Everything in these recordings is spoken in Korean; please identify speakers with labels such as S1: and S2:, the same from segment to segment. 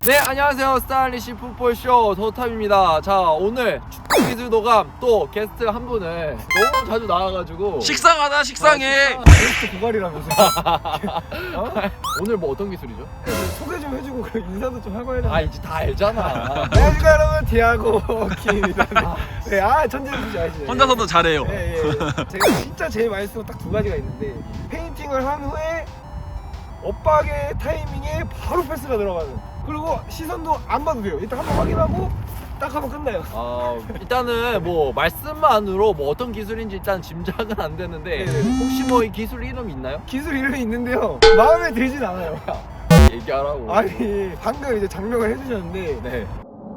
S1: 네, 안녕하세요. 스타일리시 풋볼쇼 더탑입니다. 자, 오늘 축구 기술 도감 또 게스트 한 분을 너무 자주 나와가지고
S2: 식상하다 식상해.
S3: 게스트 고갈이라면서. 어?
S1: 오늘 뭐 어떤 기술이죠?
S3: 소개 좀 해주고 그 인사도 좀 하고 해야 되나?
S1: 아, 이제 다 알잖아.
S3: 안녕하십니까 여러분, 디아고 킴입니다. 네, 천재분이지 아시죠?
S2: 혼자서도 잘해요.
S3: 예. 제가 진짜 제일 많이 쓰는 딱 두 가지가 있는데, 페인팅을 한 후에 엇박의 타이밍에 바로 패스가 들어가는. 그리고 시선도 안 봐도 돼요. 일단 한번 확인하고 딱 하면 끝나요.
S1: 일단은 뭐 말씀만으로 뭐 어떤 기술인지 일단 짐작은 안 되는데
S3: 네네.
S1: 혹시 뭐 이 기술 이름 있나요?
S3: 기술 이름이 있는데요, 마음에 들진 않아요.
S1: 얘기하라고.
S3: 아니, 방금 이제 장명을 해주셨는데,
S1: 네.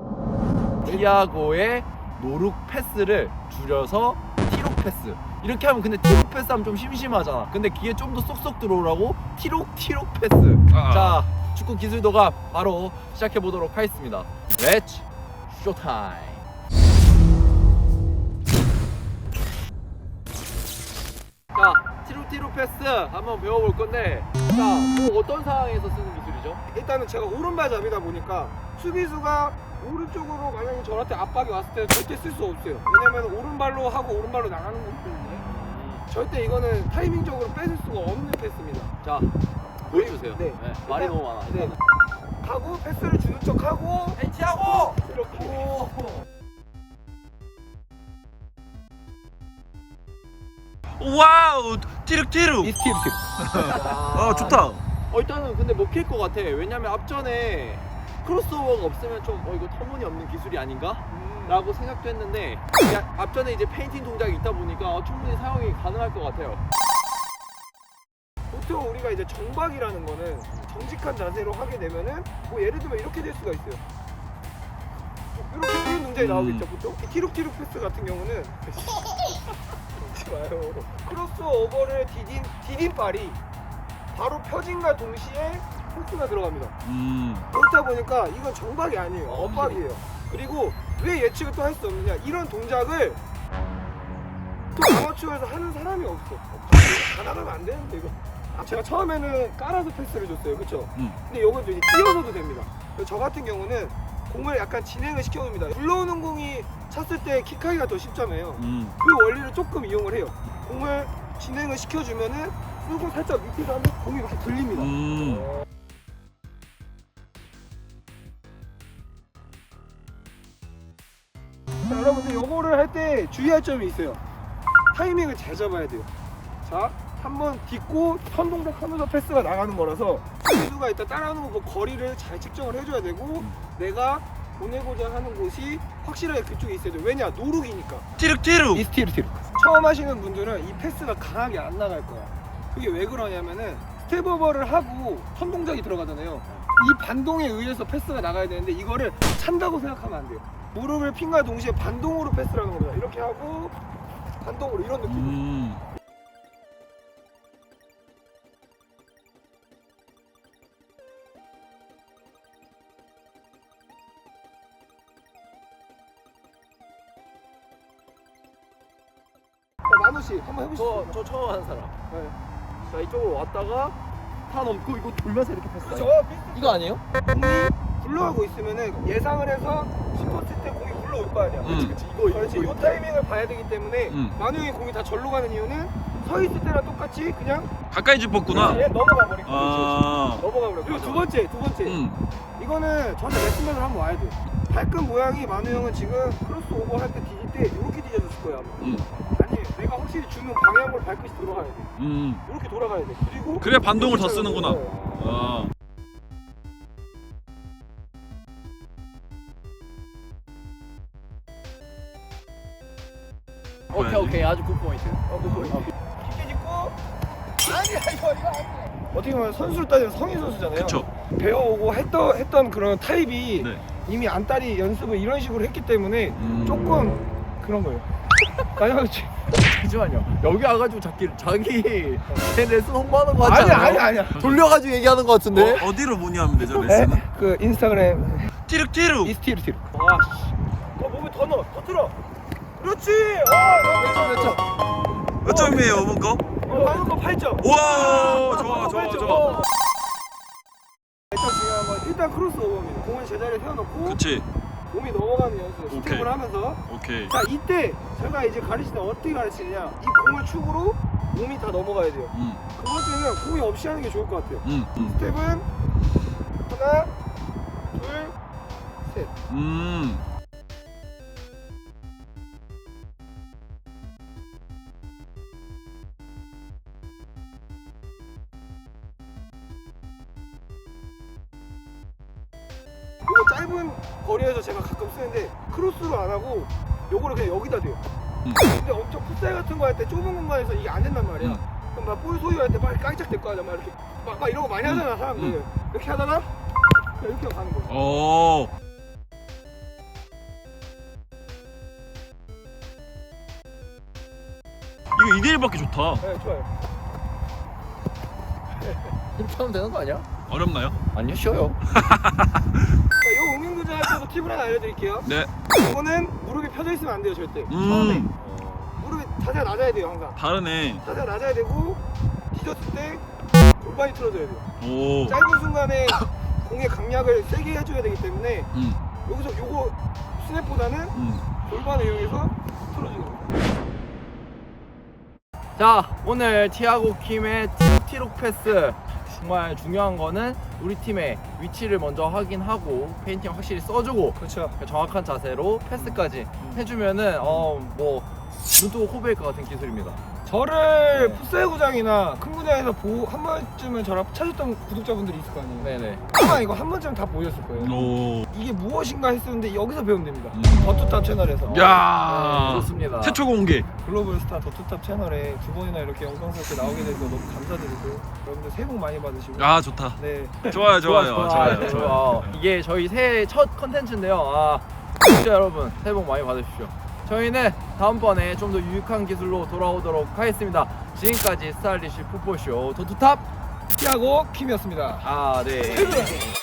S1: 티아고의 노룩 패스를 줄여서 티록 패스. 이렇게 하면 근데 티록 패스 하면 좀 심심하잖아. 근데 귀에 좀 더 쏙쏙 들어오라고 티록 패스. 자, 축구 기술도가 바로 시작해 보도록 하겠습니다. 렛츠 쇼타임. 자, 티록 패스 한번 배워볼 건데, 자, 뭐 어떤 상황에서 쓰는 기술이죠?
S3: 일단은 제가 오른발잡이다 보니까 수비수가 오른쪽으로 만약에 저한테 압박이 왔을 때 절대 쓸 수 없어요. 왜냐면 오른발로 하고 오른발로 나가는 거기 때문에 절대 이거는 타이밍적으로 뺏을 수가 없는 패스입니다.
S1: 자, 보여주세요.
S3: 네.
S1: 말이 너무 많아.
S3: 네. 가고 패스를 주는 척하고
S1: 엔치하고
S3: 이렇게.
S2: 와우 티룩티룩.
S1: 이스티르.
S2: 좋다.
S1: 일단은 근데 먹힐 것 같아. 왜냐면 앞전에 크로스오버가 없으면 좀 이거 터무니없는 기술이 아닌가? 라고 생각도 했는데 앞전에 이제 페인팅 동작이 있다 보니까 충분히 사용이 가능할 것 같아요.
S3: 보통 우리가 이제 정박이라는 거는 정직한 자세로 하게 되면은 뭐 예를 들면 이렇게 될 수가 있어요. 이렇게 이런 동작이 나오겠죠 보통. 이 티룩티룩 패스 같은 경우는 그러지 마요. 크로스오버를 디딘발이 바로 펴진과 동시에 패스가 들어갑니다. 그렇다 보니까 이건 정박이 아니에요. 엇박이에요. 그리고 왜 예측을 또 할 수 없느냐, 이런 동작을 또 아마추어에서 하는 사람이 없어. 다 나가면 안 되는데 이거. 제가 처음에는 깔아서 패스를 줬어요, 그쵸? 근데 이건 이제 띄워서도 됩니다. 저 같은 경우는 공을 약간 진행을 시켜놓습니다. 굴러오는 공이 찼을 때 킥하기가 더 쉽잖아요. 그 원리를 조금 이용을 해요. 공을 진행을 시켜주면은 쓰고 살짝 밑에서 하면 공이 이렇게 들립니다. 자, 여러분들 요거를 할 때 주의할 점이 있어요. 타이밍을 잘 잡아야 돼요. 자, 한번 딛고 선동작 하면서 패스가 나가는 거라서 선수가 일단 따라오는 거 보고 거리를 잘 측정을 해줘야 되고, 내가 보내고자 하는 곳이 확실하게 그쪽에 있어야 돼요. 왜냐? 노룩이니까.
S2: 티룩티룩.
S1: 이스티르.
S3: 처음 하시는 분들은 이 패스가 강하게 안 나갈 거야. 그게 왜 그러냐면은 스텝오버를 하고 선동작이 들어가잖아요. 이 반동에 의해서 패스가 나가야 되는데 이거를 찬다고 생각하면 안 돼요. 무릎을 핀과 동시에 반동으로 패스를 하는 겁니다. 이렇게 하고 반동으로, 이런 느낌. 만우씨 한번 해보시죠.
S1: 저 처음 하는 사람.
S3: 네.
S1: 자, 이쪽으로 왔다가 타 넘고 이거 돌면서 이렇게 패스.
S3: 그렇죠.
S1: 이거 아니에요?
S3: 공이 굴러가고 있으면은 예상을 해서 싶었을 때 공이 굴러올 거 아니야.
S1: 그렇지.
S3: 그렇지. 이 타이밍을 봐야 되기 때문에 만우 형이 공이 다 절로 가는 이유는 서 있을 때랑 똑같이 그냥
S2: 가까이 짚었구나.
S3: 얘 넘어가 버리고.
S2: 아.
S3: 넘어가 버려. 그리고 두 번째. 이거는 저한테 레슨맨을 한번 와야 돼. 발끝 모양이 만우 형은 지금 크로스오버 할 때 디딜 때 이렇게 디뎌졌을 거야. 아니, 내가 확실히 주는 방향으로 발끝이 돌아가야 돼. 이렇게 돌아가야 돼. 그리고
S2: 그래 반동을 더
S3: 이렇게
S2: 쓰는구나.
S3: 돌아가야 돼.
S1: 오케이. 아주 굿포인트.
S3: 깊게 짚고. 아니야, 이거 아니야. 어떻게 보면 선수를 따지면 성인 선수잖아요.
S2: 그쵸.
S3: 배워오고 했던 그런 타입이
S2: 네.
S3: 이미 안딸이 연습을 이런 식으로 했기 때문에 조금 그런 거예요. 마지막에
S1: 잠시만요. 여기 와가지고 자기 레슨 홍보하는 거 같지 않아요?
S3: 아니야.
S1: 돌려가지고 얘기하는 거 같은데?
S2: 어디로 문의하면 되죠 레슨은?
S3: 그 인스타그램
S2: 티룩티룩.
S1: 이스티르.
S3: 더 몸에 더 넣어, 더 틀어. 그렇지.
S1: 그렇죠.
S2: 몇 점이에요 이번 거?
S3: 방금 거 8점.
S2: 우와 좋아.
S3: 일단 중요한 건 일단 크로스 오버입니다. 공을 제자리에 세워놓고
S2: 그치.
S3: 몸이 넘어가는 연습
S2: 오케이.
S3: 스텝을 하면서
S2: 오케이.
S3: 자 이때 제가 이제 가르칠 때 어떻게 가르치느냐 이 공을 축으로 몸이 다 넘어가야 돼요. 그 번째는 공이 없이 하는 게 좋을 것 같아요. 스텝은 하나 둘 셋. 이거 짧은 거리에서 제가 가끔 쓰는데 크로스로 안 하고 요거를 그냥 여기다 대요. 근데 엄청 풋살 같은 거 할 때 좁은 공간에서 이게 안 된단 말이야. 그럼 막 볼 소유할 때 막 깜짝 될 거 아니야. 막 이렇게 막 이런 거 많이 하잖아 사람들. 이렇게 하다가 그냥 이렇게 가는 거야.
S2: 오. 이거 2대1밖에 좋다.
S3: 네 좋아요.
S1: 이렇게 하면 되는 거 아니야?
S2: 어렵나요?
S1: 아니요, 쉬워요.
S3: 자, 요 응용 도전할 때도 팁을 하나 알려드릴게요.
S2: 네.
S3: 이거는 무릎이 펴져 있으면 안 돼요 절대. 처음에 무릎이 자세가 낮아야 돼요 항상.
S2: 다르네.
S3: 자세가 낮아야 되고 뒤졌을 때 골반이 틀어져야 돼요.
S2: 오.
S3: 짧은 순간에 공의 강약을 세게 해줘야 되기 때문에 여기서 요거 스냅보다는 골반을 이용해서 틀어주는 거예요.
S1: 자, 오늘 티아고 킴의 티록 패스. 정말 중요한 거는 우리 팀의 위치를 먼저 확인하고 페인팅 확실히 써주고
S3: 그렇죠.
S1: 정확한 자세로 패스까지 해주면은 뭐 눈뜨고 코베일 것 같은 기술입니다.
S3: 저를
S1: 네.
S3: 풋살 구장이나 큰 구장에서 한 번쯤은 저랑 찾았던 구독자분들이 있을 거 아니에요.
S1: 네네.
S3: 아마 이거 한 번쯤 다 보셨을 거예요.
S2: 오.
S3: 이게 무엇인가 했었는데 여기서 배우면 됩니다. 더투탑 채널에서.
S2: 야.
S1: 좋습니다.
S2: 최초 공개.
S3: 글로벌 스타 더투탑 채널에 두 번이나 이렇게 영광스럽게 나오게 돼서 너무 감사드리고 여러분들 새해 복 많이 받으시고.
S2: 아 좋다.
S3: 네.
S2: 좋아요.
S1: 이게 저희 새해 첫 컨텐츠인데요. 진짜 여러분 새해 복 많이 받으십시오. 저희는 다음번에 좀 더 유익한 기술로 돌아오도록 하겠습니다. 지금까지 스타일리시 풋볼쇼 도투탑
S3: 티아고 킴이었습니다.
S1: 네.